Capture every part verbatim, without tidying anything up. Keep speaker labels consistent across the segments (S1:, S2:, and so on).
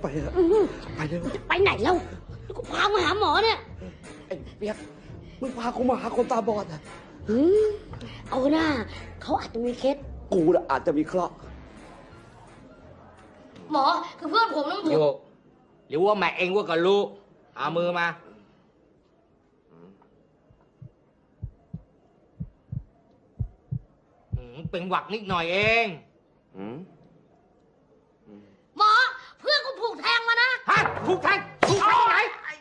S1: เถอะไปเร็ว
S2: ไปไหนแล้วกูพามาหาหมอเนี่ย
S1: ไอ้เปียกมึงพากูมาหาคนตาบอดอ่ะ
S2: เอาหน้าเขาอาจจะมีเคส
S1: กูน่ะอาจจะมีเคราะห์
S2: หมอคือเพื่อนผมน้องผม
S3: โยกหรือว่าแม่เองว่าก็รู้เอามือมาเป็นหวักนิดหน่อยเอง
S2: หมอเพื่อนกูผูกแทงมานะ
S3: ฮะผูกแทงผูกแทงไหน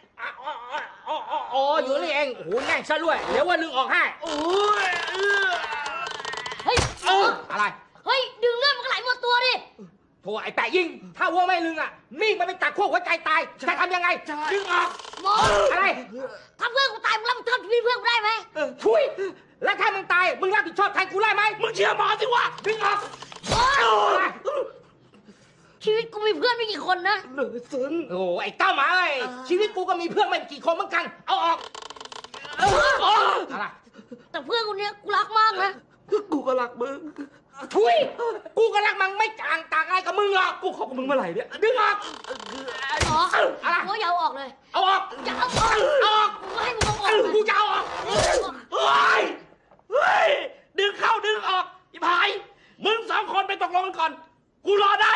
S3: อ๋ออยู่นี่เองโอ้โหแน่งซะด้วยเดี๋ยวว่าลึงออกให้
S2: เฮ้ย
S3: อะไร
S2: เฮ้ยดึงเลือดมันก็ไหลหมดตัวดิ
S3: โธ่ไอ้แปะยิงถ้าวัวไม่ลึงอ่ะมีดมันไปตัดขั้วหัวใจตายจะทำยังไงดึงออก
S2: หมอ
S3: อะไร
S2: ถ้าเพื่อนกูตายมึงรับผิดชอบชีวิตเพื่อนกูได้ไหม
S3: ช่วยแล้วถ้ามึงตายมึงรับผิดชอบแทนกูได้ไหมมึงเชื่อหมอสิวะดึงออก
S2: ชีวิตกูมีเพื่อนไม่กี่คนนะ
S1: เหลือซึ้ง
S3: โอ้ไอ้เต้าหมาไอ้ชีวิตกูก็มีเพื่อนไม่กี่คนเหมือนกันเอาออกอะไร
S2: แต่เพื่อนกูเนี้ยกูรักมากนะ
S1: กูก็รักมึง
S3: ทุยกูก็รักมึงไม่ต่างต่างอะไรกับมึงหรอก
S1: กูขอกับมึงเมื่อไหร่เนี่ย
S3: ดึงออก
S2: อ๋ออะไรกูอย่าเอาออกเลย
S3: เอาออก
S2: อย่าเอาออก
S3: เอาออก
S2: กูให้มึงเอาออก
S3: กูจะเอาออก
S1: เฮ้ยเฮ้ยดึงเข้าดึงออกอีพายมึงสองคนไปตกลงกันก่อนกูรอได้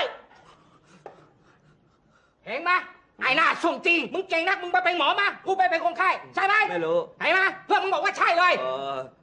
S3: เห็นไหมไอ้หน้าส่งจริงมึงเก่งนักมึงไปเป็นหมอมากูไปเป็นคนไข้ใช่ไหม
S1: ไม่รู้
S3: เห็นไหมเพื่อนมึงบอกว่าใช่เลย
S1: เออ